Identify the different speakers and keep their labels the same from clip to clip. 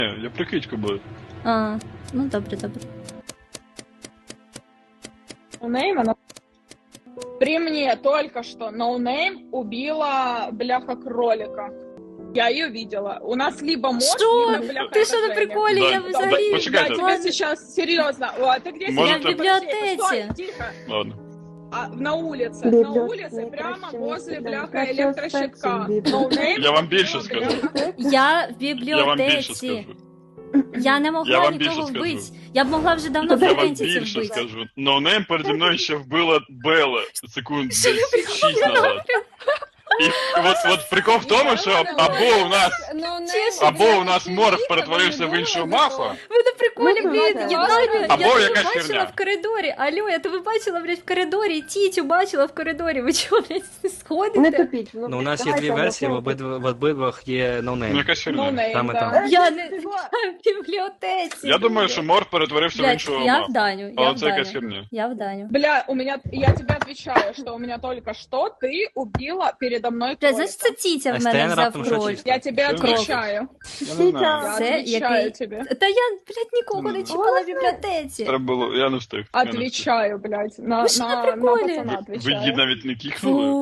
Speaker 1: Я прикидьку буду.
Speaker 2: А, ну добре.
Speaker 3: Ноунейм, она... При мне только что Ноунейм убила бляха кролика. Я ее видела. У нас либо мозг,
Speaker 2: Что?
Speaker 3: либо бляха
Speaker 2: Ти що на
Speaker 3: Женя.
Speaker 2: приколі?
Speaker 1: Да,
Speaker 2: Я
Speaker 1: да,
Speaker 2: взагалі...
Speaker 3: Я
Speaker 1: почекайте.
Speaker 3: тебе сейчас серьезно. О, а ты где
Speaker 1: Может,
Speaker 3: сидишь?
Speaker 1: Я в
Speaker 2: библиотеке.
Speaker 3: Стой, тихо.
Speaker 1: Ладно.
Speaker 3: На улице. На улице, прямо возле бляха электрощитка. Ноунейм
Speaker 1: Я вам більше
Speaker 3: убила
Speaker 1: скажу.
Speaker 3: бляха.
Speaker 2: Я в
Speaker 1: Я вам більше
Speaker 2: бібліотеці.
Speaker 1: скажу.
Speaker 2: Я не
Speaker 1: Я
Speaker 2: могла
Speaker 1: вам
Speaker 2: нікого
Speaker 1: більше скажу.
Speaker 2: вбити. Я б могла вже давно
Speaker 1: Я вам
Speaker 2: флорентійців
Speaker 1: більше
Speaker 2: вбити.
Speaker 1: скажу. Ноунейм переді мною ще вбила Белла секунд десь 6 назад. І от прикол в тому, що або у нас морф перетворився в іншого мафа,
Speaker 2: Ви на приколі, блін, я
Speaker 1: Або
Speaker 2: тебе
Speaker 1: якась
Speaker 2: бачила
Speaker 1: херня.
Speaker 2: в коридорі. Алло, я тебе бачила, блядь, в коридорі. Тітю бачила в коридорі. Ви чого, блядь,
Speaker 4: Не
Speaker 2: сходите?
Speaker 4: тупіть.
Speaker 5: Ну, у нас є дві версії, в обидвах є
Speaker 1: ну
Speaker 5: ноунейм.
Speaker 1: якась херня.
Speaker 3: Ноунейм,
Speaker 5: Там і
Speaker 3: да.
Speaker 5: там.
Speaker 2: Я не в бібліотеці.
Speaker 1: Я думаю, що морф перетворився в
Speaker 2: Блядь,
Speaker 1: іншого
Speaker 2: я в
Speaker 1: мафа.
Speaker 2: Даню,
Speaker 1: Але це якась херня.
Speaker 2: Я в Даню.
Speaker 3: Бля, я тебе отвечаю, что у меня только что ты убила передо мной
Speaker 2: Блядь,
Speaker 3: кролика.
Speaker 2: значить це Тітя в
Speaker 5: СТН
Speaker 2: мене взяв
Speaker 5: раптом що
Speaker 2: роль.
Speaker 5: чисто?
Speaker 3: Я тебе
Speaker 1: Всё
Speaker 3: отвечаю.
Speaker 1: Я не знаю.
Speaker 3: Я
Speaker 2: Це
Speaker 3: отвечаю
Speaker 2: який?
Speaker 3: тебе.
Speaker 2: Та я, блядь, нікого не чіпала в бібліотеці.
Speaker 1: Треба було, я не встиг. Я не встиг.
Speaker 3: Отвечаю, блядь. На
Speaker 2: Вы что, на
Speaker 3: пацана
Speaker 2: приколе?
Speaker 1: Ви її
Speaker 3: отвечаю.
Speaker 1: навіть не кікнули?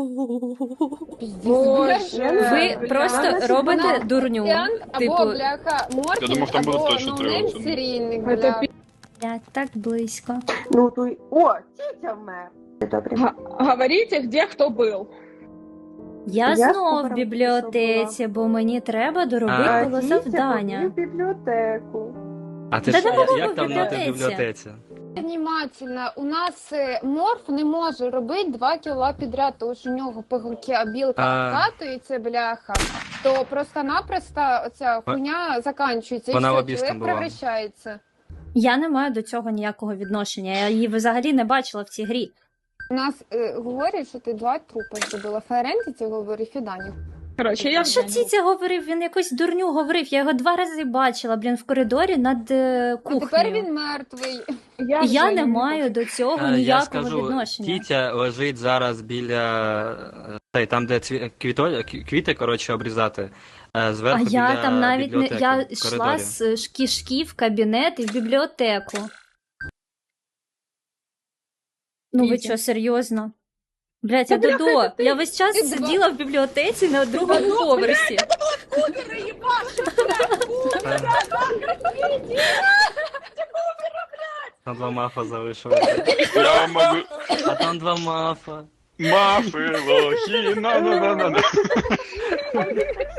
Speaker 3: Боже.
Speaker 2: Ви
Speaker 3: бля.
Speaker 2: просто робите дурню.
Speaker 6: Або
Speaker 2: Типу,
Speaker 6: бляха морфінг,
Speaker 1: Я думав, там буде
Speaker 6: або
Speaker 1: точно
Speaker 6: ноунейм
Speaker 1: тривати.
Speaker 6: серійник,
Speaker 3: Это
Speaker 6: бля.
Speaker 2: блядь, так близько.
Speaker 4: Ну, то й... О, Тітя вмер. Добре.
Speaker 3: Говорите, где кто был.
Speaker 2: Я
Speaker 4: Я
Speaker 2: знов в
Speaker 4: скоро
Speaker 2: бібліотеці, бо мені треба доробити
Speaker 5: А,
Speaker 2: було
Speaker 4: Тітя
Speaker 2: завдання.
Speaker 4: побіг в бібліотеку.
Speaker 5: А ти
Speaker 2: Та
Speaker 5: ж
Speaker 2: не було
Speaker 5: як
Speaker 2: в
Speaker 5: давно ти в
Speaker 2: бібліотеці.
Speaker 5: бібліотеці?
Speaker 6: Внимательно, у нас морф не може робити 2 кіла підряд, тому що у нього пигулки, а білка
Speaker 5: А.
Speaker 6: вкатується, бляха, то просто-напросто оця хуйня заканчується,
Speaker 5: Вона
Speaker 6: і все,
Speaker 5: лобістом
Speaker 6: чоловік
Speaker 5: була.
Speaker 6: превращається.
Speaker 2: Я не маю до цього ніякого відношення. Я її взагалі не бачила в цій грі.
Speaker 6: У нас говорять, що ти 2 трупи зробила. Ферентіці говорить Фіданів.
Speaker 3: Короче, я
Speaker 2: А що Тітя говорив? Він якусь дурню говорив. Я його 2 рази бачила, блін, в коридорі над
Speaker 6: А
Speaker 2: кухнею.
Speaker 6: тепер він мертвий.
Speaker 2: Я не маю до цього
Speaker 5: Я
Speaker 2: ніякого
Speaker 5: скажу,
Speaker 2: відношення.
Speaker 5: Тітя лежить зараз біля там, де квіти, коротше, обрізати.
Speaker 2: А
Speaker 5: Зверху
Speaker 2: я
Speaker 5: біля
Speaker 2: там навіть не
Speaker 5: бібліотеки,
Speaker 2: я
Speaker 5: в
Speaker 2: йшла
Speaker 5: коридорі.
Speaker 2: з кишки в кабінет і в бібліотеку. Ну ви
Speaker 3: Тітя.
Speaker 2: що, серйозно? Блять, я
Speaker 3: Та бляха,
Speaker 2: Додо.
Speaker 3: це ти-
Speaker 2: Я весь час
Speaker 6: ти
Speaker 2: сиділа в бібліотеці на другому поверсі.
Speaker 3: Кубера ебашит, блядь, Кубера,
Speaker 5: Там 2 мафа залишилися.
Speaker 1: Я вам можу...
Speaker 5: А там 2 мафа.
Speaker 1: Мафи, лохи, на-на-на-на-на.